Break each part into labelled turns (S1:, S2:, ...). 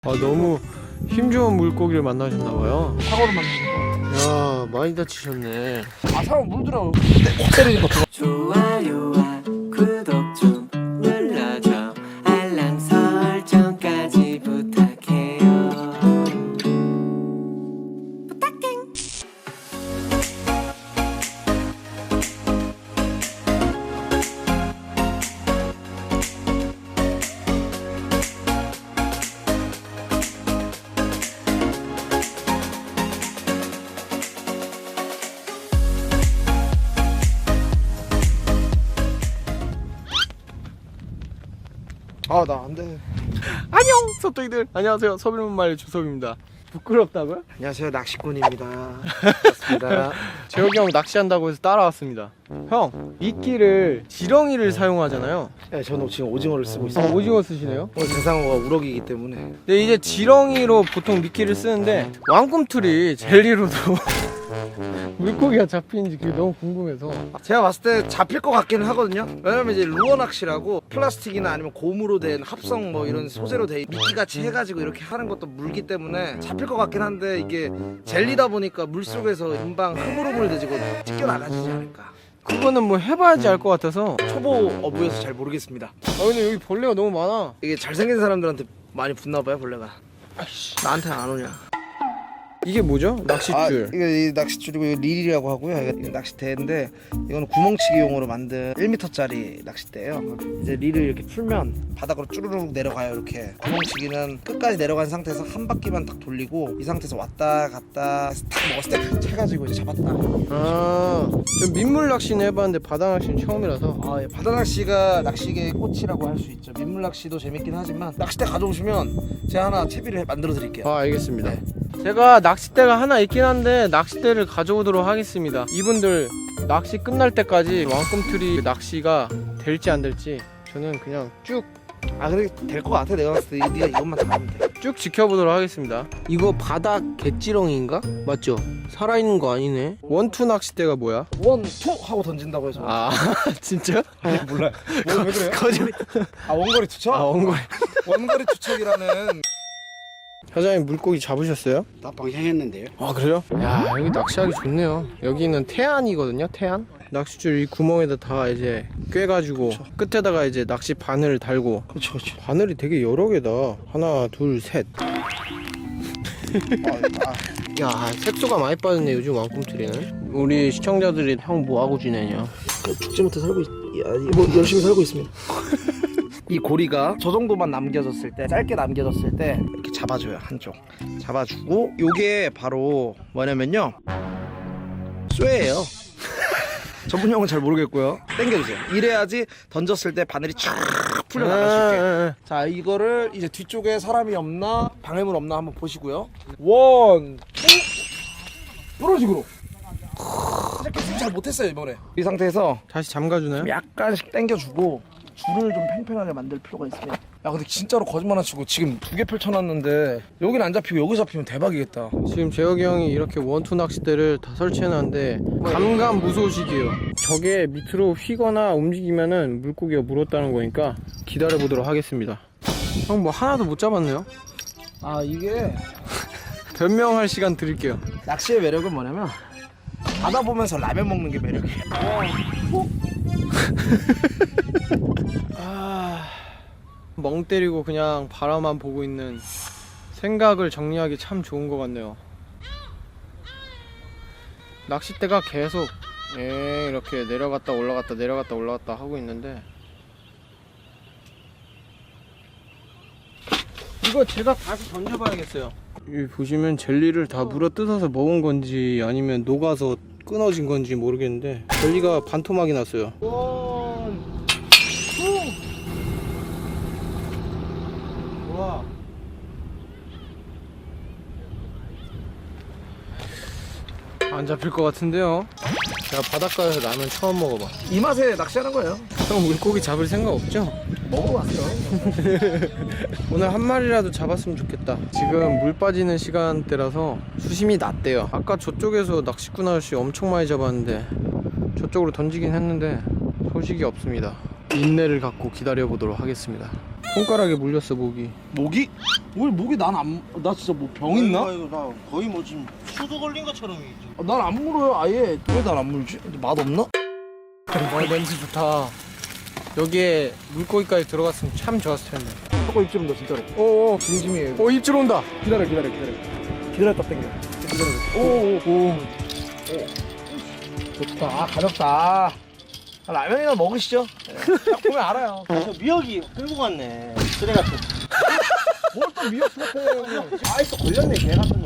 S1: 너무 힘 좋은 물고기를 만나셨나봐요.
S2: 사고를 만든
S1: 야, 많이 다치셨네.
S2: 거. 아, 사람 물들어. 꼭 때리는 거.
S3: 좋아요와 구독 좀 눌러줘. 알람 설정까지 부탁해요.
S2: 아, 나 안 돼.
S1: 안녕, 섭덕이들. 안녕하세요. 서빌문말 주섭입니다. 부끄럽다고요?
S2: 안녕하세요, 낚시꾼입니다. 반갑습니다.
S1: 재혁이 형 낚시한다고 해서 따라왔습니다. 형, 미끼를 지렁이를 사용하잖아요.
S2: 네, 저는 지금 오징어를 쓰고 있어요.
S1: 오징어 쓰시네요?
S2: 오늘 대상어가 우럭이기 때문에.
S1: 근데 이제 지렁이로 보통 미끼를 쓰는데 왕꿈틀이 젤리로도 물고기가 잡히는지 그게 너무 궁금해서.
S2: 제가 봤을 때 잡힐 것 같기는 하거든요. 왜냐면 이제 루어 낚시라고 플라스틱이나 아니면 고무로 된 합성 뭐 이런 소재로 된 미끼같이 해가지고 이렇게 하는 것도 물기 때문에 잡힐 것 같긴 한데, 이게 젤리다 보니까 물속에서 금방 흐물흐물해지고 찢겨나가지지 않을까.
S1: 그거는 뭐 해봐야지 알 것 같아서.
S2: 초보 어부여서 잘 모르겠습니다.
S1: 근데 여기 벌레가 너무 많아.
S2: 이게 잘생긴 사람들한테 많이 붙나봐요, 벌레가. 나한테는 안 오냐.
S1: 이게 뭐죠? 낚싯줄.
S2: 이거 이 낚싯줄이고 이거 릴이라고 하고요. 이거 낚싯대인데 이거는 구멍치기용으로 만든 1m짜리 낚싯대예요. 이제 릴을 이렇게 풀면 바닥으로 쭈르륵 내려가요. 이렇게 구멍치기는 끝까지 내려간 상태에서 한 바퀴만 딱 돌리고, 이 상태에서 왔다 갔다 해서 탁 먹었을 때 차가지고 이제 잡았다.
S1: 저 민물 낚시는 해봤는데 바다 낚시는 처음이라서.
S2: 예, 바다 낚시가 낚시계의 꽃이라고 할 수 있죠. 민물 낚시도 재밌긴 하지만 낚싯대 가져오시면 제가 하나 채비를 만들어 드릴게요.
S1: 알겠습니다. 제가 낚싯대가 하나 있긴 한데 낚싯대를 가져오도록 하겠습니다. 이분들 낚시 끝날 때까지 왕꿈틀이 낚시가 될지 안 될지 저는 그냥 쭉
S2: 그래 될 것 같아. 내가 봤을 때 네가 이것만 잘하면 돼.
S1: 지켜보도록 하겠습니다. 이거 바닥 개찌렁이인가? 맞죠? 살아있는 거 아니네. 원투 낚싯대가 뭐야?
S2: 원, 투 하고 던진다고 해서.
S1: 진짜?
S2: 몰라. 왜 그래요?
S1: 거짓말.
S2: 원거리 투척?
S1: 원거리.
S2: 원거리 투척이라는.
S1: 사장님 물고기 잡으셨어요?
S4: 낮방 향했는데요.
S1: 그래요? 야, 여기 낚시하기 좋네요. 여기는 태안이거든요. 태안. 낚싯줄 이 구멍에다 다 이제 꿰가지고 끝에다가 이제 낚시 바늘 달고.
S2: 그렇죠.
S1: 바늘이 되게 여러 개다. 하나, 둘, 셋. 야, 색소가 많이 빠졌네 요즘 왕꿈틀이는. 우리 시청자들이 형 뭐하고 지내냐?
S2: 죽지 못해 살고 뭐 열심히 살고 있습니다. 이 고리가 저 정도만 남겨졌을 때, 짧게 남겨졌을 때 이렇게 잡아줘요. 한쪽 잡아주고, 요게 바로 뭐냐면요, 쇠예요. 전문용어는 잘 모르겠고요. 당겨주세요. 이래야지 던졌을 때 바늘이 쫙 풀려나갈 수 있게. 자, 이거를 이제 뒤쪽에 사람이 없나 방해물 없나 한번 보시고요. 원, 투, 이런 식으로. 이렇게 잘 못했어요 이번에. 이 상태에서
S1: 다시 잠가주나요?
S2: 약간씩 당겨주고 줄을 좀 팽팽하게 만들 필요가 있습니다. 야, 근데 진짜로 거짓말 안 치고 지금 2개 펼쳐놨는데 여긴 안 잡히고 여기 잡히면 대박이겠다.
S1: 지금 재혁이 형이 이렇게 원투 낚싯대를 다 설치해놨는데 감감무소식이에요. 저게 밑으로 휘거나 움직이면은 물고기가 물었다는 거니까 기다려보도록 하겠습니다. 형 뭐 하나도 못 잡았네요?
S2: 이게
S1: 변명할 시간 드릴게요.
S2: 낚시의 매력은 뭐냐면 바다 보면서 라면 먹는 게 매력이에요.
S1: 멍 때리고 그냥 바라만 보고 있는 생각을 정리하기 참 좋은 것 같네요. 낚싯대가 계속 이렇게 내려갔다 올라갔다 내려갔다 올라갔다 하고 있는데, 이거 제가 다시 던져봐야겠어요. 여기 보시면 젤리를 다 물어 뜯어서 먹은 건지 아니면 녹아서 끊어진 건지 모르겠는데 젤리가 반토막이 났어요. 원, 투. 와. 안 잡힐 것 같은데요? 제가 바닷가에서 라면 처음 먹어봐.
S2: 이 맛에 낚시하는 거예요.
S1: 형 물고기 잡을 생각 없죠?
S2: 먹어봤어.
S1: 오늘 한 마리라도 잡았으면 좋겠다. 지금 물 빠지는 시간대라서 수심이 낮대요. 아까 저쪽에서 낚시꾼 아저씨 엄청 많이 잡았는데 저쪽으로 던지긴 했는데 소식이 없습니다. 인내를 갖고 기다려보도록 하겠습니다. 손가락에 물렸어 목이.
S2: 모기? 왜 모기 나 진짜 뭐 병 있나?
S4: 이거 나 거의 뭐 지금 수도 걸린 것처럼이지.
S2: 난 안 물어요 아예. 왜 난 안 물지? 근데 맛 없나?
S1: 냄새 좋다. 여기에 물고기까지 들어갔으면 참 좋았을 텐데.
S2: 저거 입질 온다 진짜로.
S1: 오오.
S2: 진심이에요.
S1: 입질 온다.
S2: 기다려. 기다렸다 땡겨.
S1: 오오.
S2: 좋다. 아 가볍다. 아, 라면이나 먹으시죠. 딱 보면 알아요.
S4: 저 미역이 끌고 갔네. 쓰레 같은.
S2: 뭘 또 미역 같아.
S4: 아이 또 걸렸네 개 같은 거.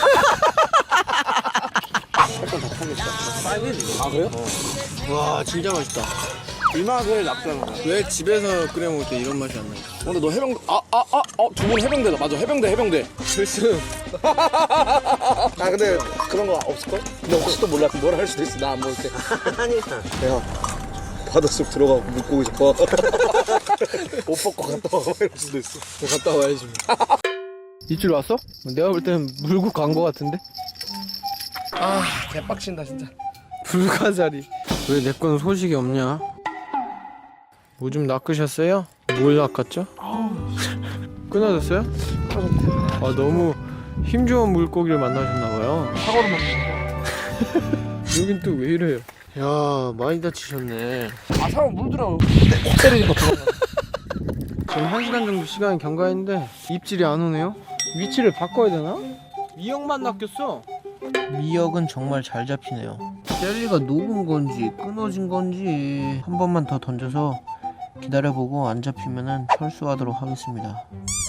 S2: 아 그래요?
S1: 와 진짜 맛있다.
S2: 이 맛을 납작한 거야.
S1: 왜 집에서 끓여 먹을 때 이런 맛이 안 나요?
S2: 근데 너 해병대 두 분 해병대다. 맞아 해병대.
S1: 글쎄.
S2: 아 근데 그런 거 없을걸? 근데 혹시도 몰라. 그럼 뭐라 할 수도 있어. 나 안 먹을 때.
S4: 아니.
S2: 야 바닷속 들어가고 물고기 잡아. 옷 벗고 갔다 와. 이럴 수도 있어.
S1: 갔다 와야지. 입질 왔어? 내가 볼 때는 물고 간 거 같은데?
S2: 아 개빡친다 진짜.
S1: 불가사리. 왜 내 거는 소식이 없냐? 뭐 좀 낚으셨어요? 뭘 낚았죠? 끊어졌어요? 아 너무 힘 좋은 물고기를 만나셨나봐요.
S2: 사고를 먹는
S1: 여긴 또 왜 이래요? 야 많이 다치셨네.
S2: 거. 아 사람 물들어. 꼭 때리는 거 들어가.
S1: 지금 1시간 정도 시간이 경과했는데 입질이 안 오네요? 위치를 바꿔야 되나? 미역만 낚였어. 미역은 정말 잘 잡히네요. 젤리가 녹은 건지 끊어진 건지 한 번만 더 던져서 기다려보고 안 잡히면은 철수하도록 하겠습니다.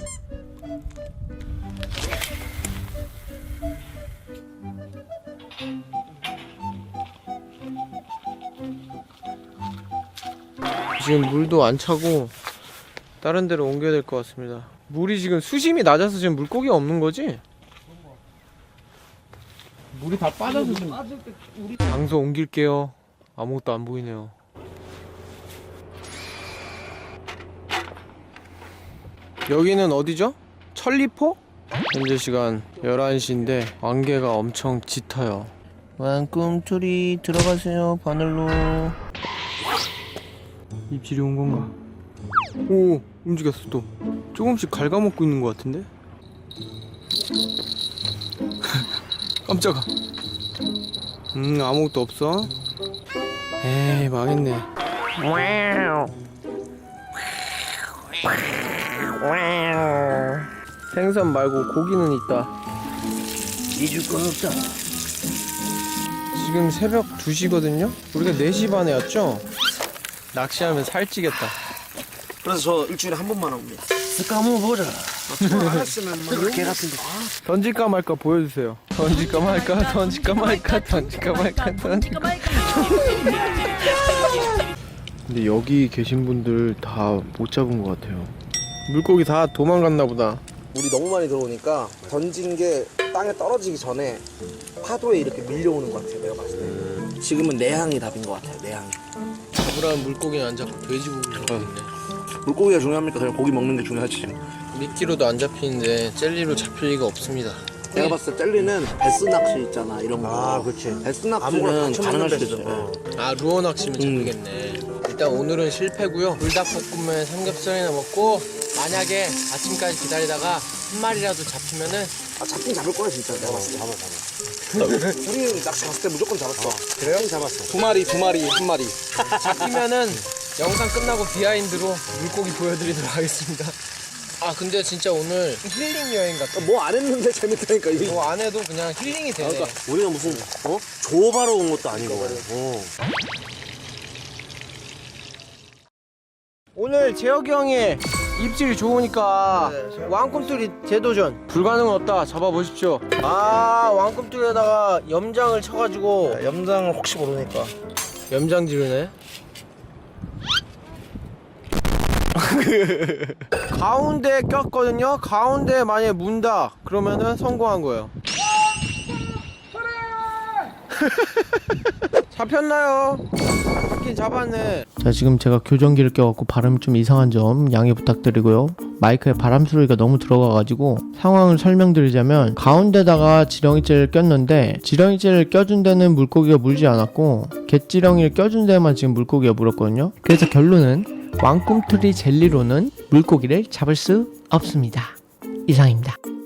S1: 지금 물도 안 차고 다른 데로 옮겨야 될 것 같습니다. 물이 지금 수심이 낮아서 지금 물고기가 없는 거지? 물이 다 빠져서 지금 장소 옮길게요. 아무것도 안 보이네요. 여기는 어디죠? 천리포? 현재 시간 11시인데 안개가 엄청 짙어요. 왕꿈틀이 들어가세요 바늘로. 입질이 온 건가? 오 움직였어 또. 조금씩 갉아먹고 있는 것 같은데? 깜짝아. 아무것도 없어. 에이 망했네. 생선 말고 고기는 있다.
S4: 잊을 건 없다.
S1: 지금 새벽 2시거든요? 우리가 4시 반에 왔죠? 낚시하면 살찌겠다.
S2: 그래서 저 일주일에 한 번만 합니다.
S4: 까먹어보자.
S2: 알았으면 뭐
S4: 개 같은 거.
S1: 던질까 말까 보여주세요. 던질까 말까 던질까 말까 던질까 말까 던질까 말까. 근데 여기 계신 분들 다 못 잡은 것 같아요. 물고기 다 도망갔나 보다.
S2: 물이 너무 많이 들어오니까 던진 게 땅에 떨어지기 전에 파도에 이렇게 밀려오는 것 같아요. 내가 봤을 때. 지금은 내향이 답인 것 같아요. 내향이.
S1: 잡으라는 물고기는 안 잡고 돼지고기 잡았네.
S2: 물고기가 중요합니까? 그냥 고기 먹는 게 중요하지.
S1: 미끼로도 안 잡히는데 젤리로 잡힐 리가 없습니다.
S2: 내가 봤을 때 젤리는 베스 낚시 있잖아. 이런 거.
S4: 아, 그렇지.
S2: 베스
S4: 아무거나
S2: 낚시는
S4: 쳐
S2: 가능할
S4: 먹는
S2: 수도 있어.
S4: 베스.
S1: 아 루어 낚시면 잡히겠네. 일단 오늘은 실패고요. 불닭볶음면 삼겹살이나 먹고 만약에 아침까지 기다리다가 한 마리라도 잡히면은
S2: 아, 잡긴 잡을 거야 진짜. 내가 봤을 때. 잡아. 우리 낚시 갔을 때 무조건 잡았어.
S4: 그래요? 잡았어.
S2: 두 마리, 한 마리.
S1: 잡히면은 영상 끝나고 비하인드로 물고기 보여드리도록 하겠습니다. 아 근데 진짜 오늘 힐링 여행 같아.
S2: 뭐 안 했는데 재밌다니까. 이게.
S1: 뭐 안 해도 그냥 힐링이 되네.
S4: 우리가 무슨 조업하러 온 것도 아니고.
S1: 오늘 재혁이 형이 입질이 좋으니까 왕꿈틀이 재도전. 불가능은 없다. 잡아보십시오. 아 왕꿈틀에다가 염장을 쳐가지고
S2: 염장을 혹시 모르니까.
S1: 염장지르네. 가운데 꼈거든요. 가운데 만약에 문다 그러면은 성공한 거예요. 잡혔나요? 잡긴 잡았네. 자 지금 제가 교정기를 껴갖고 발음이 좀 이상한 점 양해 부탁드리고요. 마이크에 바람 소리가 너무 들어가가지고 상황을 설명드리자면 가운데다가 지렁이째를 꼈는데 지렁이째를 껴준 데는 물고기가 물지 않았고 갯지렁이를 껴준 데만 지금 물고기가 물었거든요. 그래서 결론은
S5: 왕꿈틀이 젤리로는 물고기를 잡을 수 없습니다. 이상입니다.